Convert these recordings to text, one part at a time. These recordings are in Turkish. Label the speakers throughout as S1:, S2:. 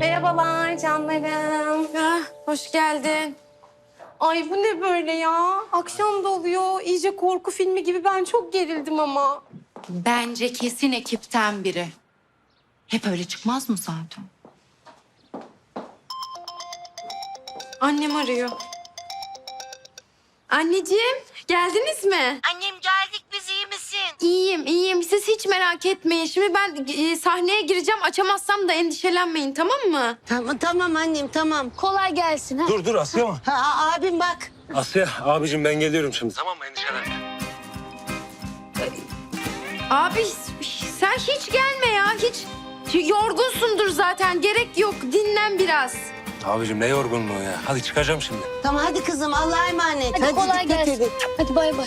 S1: Merhabalar canlarım.
S2: Hoş geldin.
S1: Ay bu ne böyle ya? Akşam da oluyor. İyice korku filmi gibi. Ben çok gerildim ama.
S2: Bence kesin ekipten biri. Hep öyle çıkmaz mı zaten? Annem arıyor. Anneciğim, geldiniz mi?
S3: Annem geldik, biz iyi misin?
S2: İyiyim, iyiyim. Siz hiç merak etmeyin. Şimdi ben sahneye gireceğim. Açamazsam da endişelenmeyin, tamam mı?
S3: Tamam annem, tamam. Kolay gelsin. Ha.
S4: Dur Asya mı?
S3: Abim bak.
S4: Asya abicim ben geliyorum şimdi. Tamam mı, endişelenme.
S2: Abi sen hiç gelme ya. Hiç yorgunsundur zaten. Gerek yok. Dinlen biraz.
S4: Abicim ne yorgunluğu ya. Hadi çıkacağım şimdi.
S3: Tamam hadi kızım, Allah'a emanet.
S5: Hadi kolay
S3: dikkat
S5: gelsin.
S3: edin.
S5: Hadi bay bay.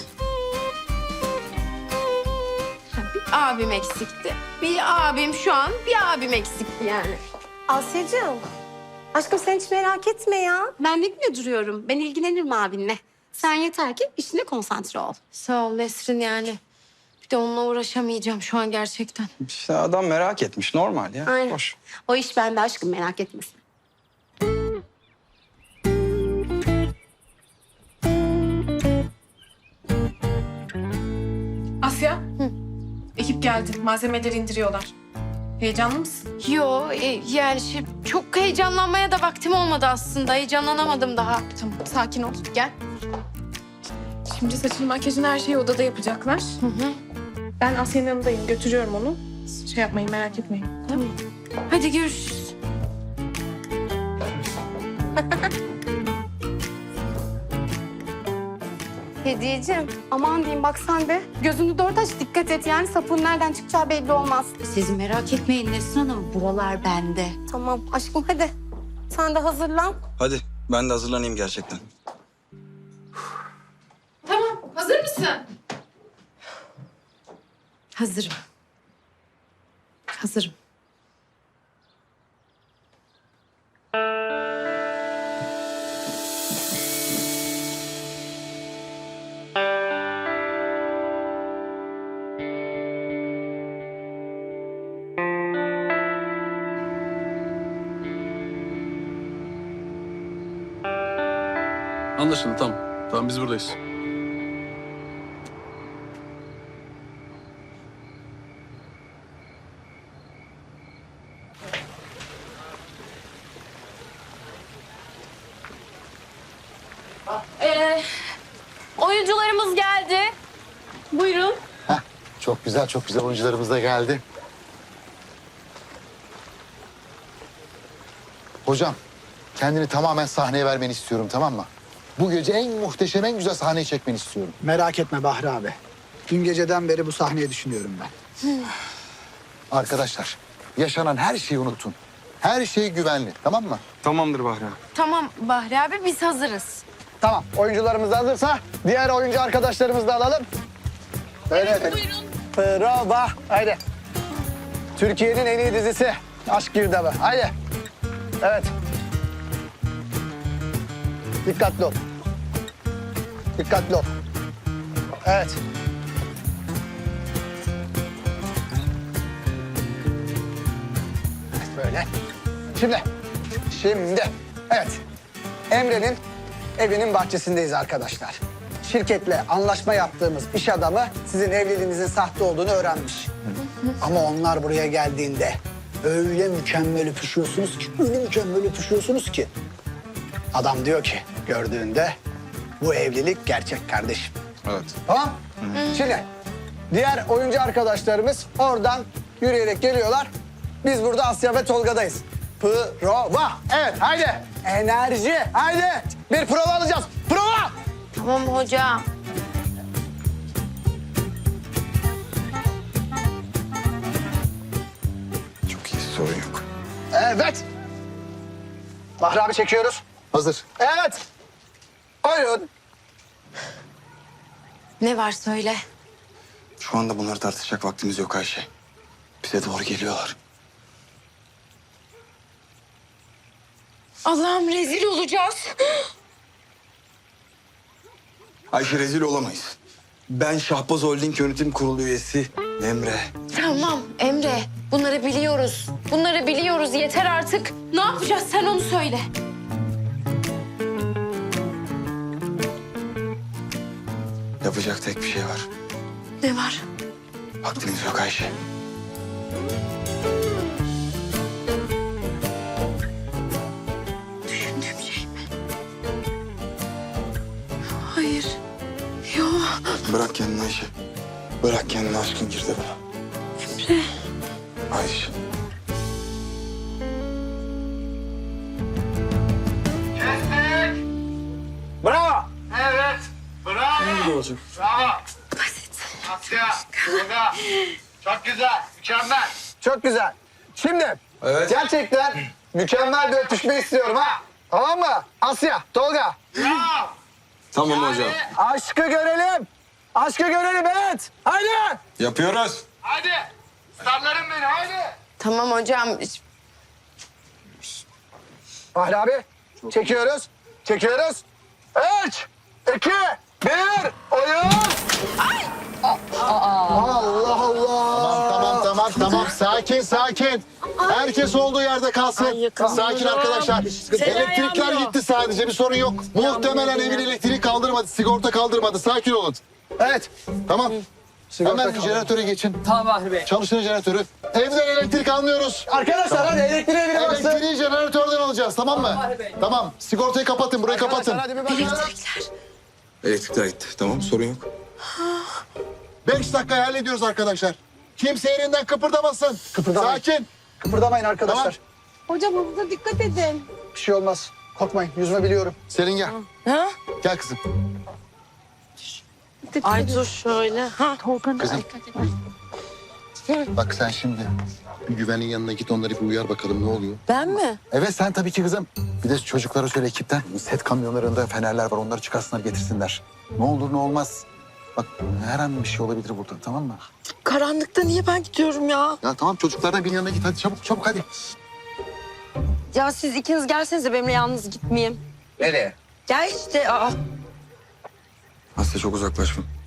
S2: Bir abim eksikti. Bir abim eksikti yani.
S1: Asya'cığım. Aşkım sen hiç merak etme ya. Ben ne güne duruyorum. Ben ilgilenirim abinle. Sen yeter ki işine konsantre ol.
S2: Sağ ol Nesrin yani. Bir de onunla uğraşamayacağım şu an gerçekten.
S6: İşte adam merak etmiş. Normal ya.
S1: Aynen.
S6: Hoş.
S1: O iş bende aşkım, merak etmesin.
S7: Asya. Ekip geldi. Malzemeleri indiriyorlar. Heyecanlı mısın?
S2: Yo yani çok heyecanlanmaya da vaktim olmadı aslında. Heyecanlanamadım daha.
S7: Tamam, sakin ol. Gel. Şimdi saçını, makyajını, her şeyi odada yapacaklar. Ben Asya'nın yanındayım. Götürüyorum onu. Siz şey yapmayın, merak etmeyin.
S2: Tamam. Hadi görüşürüz.
S1: Hediyeciğim, aman diyeyim bak sen de. Gözünü dört aç, dikkat et. Yani sapın nereden çıkacağı belli olmaz.
S2: Siz merak etmeyin Nesrin Hanım. Buralar bende.
S1: Tamam aşkım hadi. Sen de hazırlan.
S6: Hadi ben de hazırlanayım gerçekten.
S7: Tamam, hazır mısın?
S2: Hazırım. Hazırım.
S8: Anlaşıldı, tamam. Tamam, biz buradayız.
S2: Oyuncularımız geldi. Buyurun.
S9: Çok güzel, çok güzel oyuncularımız da geldi. Hocam, kendini tamamen sahneye vermeni istiyorum, tamam mı? Bu gece en muhteşem, en güzel sahneyi çekmeni istiyorum.
S10: Merak etme Bahri abi. Dün geceden beri bu sahneyi düşünüyorum ben.
S9: Arkadaşlar, yaşanan her şeyi unutun. Her şey güvenli, tamam mı?
S6: Tamamdır Bahri abi.
S2: Tamam Bahri abi biz hazırız.
S10: Tamam, oyuncularımız da hazırsa diğer oyuncu arkadaşlarımızı da alalım. Evet, buyurun. Prova, haydi. Türkiye'nin en iyi dizisi Aşk Girdabı, haydi. Evet. Dikkatli ol. Dikkatli ol. Evet. Böyle. Şimdi. Evet. Emre'nin evinin bahçesindeyiz arkadaşlar. Şirketle anlaşma yaptığımız iş adamı sizin evliliğinizin sahte olduğunu öğrenmiş. Ama onlar buraya geldiğinde öyle mükemmel öpüşüyorsunuz ki, öyle mükemmel öpüşüyorsunuz ki. Adam diyor ki gördüğünde bu evlilik gerçek kardeşim.
S6: Evet.
S10: Tamam? Şimdi diğer oyuncu arkadaşlarımız oradan yürüyerek geliyorlar. Biz burada Asya ve Tolga'dayız. Prova. Evet haydi. Enerji. Haydi. Bir prova alacağız. Prova.
S2: Tamam hocam.
S6: Çok iyi, sorun yok.
S10: Evet. Bahri abi çekiyoruz.
S9: Hazır.
S10: Evet. Buyurun.
S2: Ne var söyle.
S6: Şu anda bunları tartışacak vaktimiz yok Ayşe. Bize doğru geliyorlar.
S2: Allah'ım rezil olacağız.
S6: Ayşe, rezil olamayız. Ben Şahbaz Holding Yönetim Kurulu üyesi Emre.
S2: Tamam Emre. Bunları biliyoruz. Bunları biliyoruz. Yeter artık. Ne yapacağız sen onu söyle.
S6: Yapacak tek bir şey var.
S2: Ne var?
S6: Vaktimiz yok Ayşe.
S2: Düşündüğüm şey mi? Hayır. Yok.
S6: Bırak kendini Ayşe. Bırak kendini, aşkın girdi bana.
S2: Emre.
S6: Ayşe.
S10: Bravo.
S5: Evet. Bravo.
S8: olacak?
S5: Bravo. Asya. Tolga. Çok güzel. Mükemmel.
S10: Çok güzel. Şimdi gerçekten mükemmel bir öpüşme istiyorum ha. Tamam mı? Asya, Tolga.
S5: Bravo.
S6: Tamam hocam.
S10: Aşkı görelim. Aşkı görelim, evet. Haydi.
S6: Yapıyoruz.
S5: Hadi. Starlarım beni. Hadi.
S2: Tamam hocam.
S10: Fahri abi, çekiyoruz. Çekiyoruz. 3, 2, 1, oyun. Allah Allah.
S9: Tamam. Sakin. Herkes olduğu yerde kalsın. Sakin arkadaşlar. Elektrikler gitti sadece, bir sorun yok. Muhtemelen evin elektriği kaldırmadı, sigorta kaldırmadı. Sakin olun.
S10: Evet.
S9: Tamam.
S10: Sigorta
S9: Hemen
S10: kaldı.
S9: jeneratöre geçin.
S10: Tamam Fahri Bey.
S9: Çalıştırın jeneratörü. Evden elektrik almıyoruz.
S10: Arkadaşlar hadi elektriğe biri baksın.
S9: Elektriği jeneratörden alacağız, tamam mı? Tamam. Sigortayı kapatın, burayı kapatın.
S10: Hadi bir bakalım.
S6: Elektrikler gitti. Tamam, sorun yok.
S9: 5 dakika hallediyoruz arkadaşlar. Kimse yerinden kıpırdamasın.
S10: Kıpırdamayın.
S9: Sakin.
S10: Kıpırdamayın arkadaşlar.
S1: Hocam hızlı dikkat edin.
S10: Bir şey olmaz. Korkmayın. Yüzme biliyorum.
S9: Selin gel.
S2: Ha?
S9: Gel kızım.
S2: Ay dur şöyle. Ha.
S9: Kızım. Bak sen şimdi bir güvenin yanına git, onları bir uyar bakalım ne oluyor.
S2: Ben mi?
S9: Evet sen tabii ki kızım. Bir de çocuklara söyle ekipten. Set kamyonlarında fenerler var, onları çıkarsınlar getirsinler. Ne olur ne olmaz. Bak her an bir şey olabilir burada, tamam mı?
S2: Karanlıkta niye ben gidiyorum ya?
S9: Ya tamam, çocuklardan birinin yanına git, hadi çabuk hadi.
S2: Ya siz ikiniz gelsenize benimle, yalnız gitmeyeyim.
S10: Nereye?
S2: Gel işte. Aa.
S6: Asya çok uzaklaşma.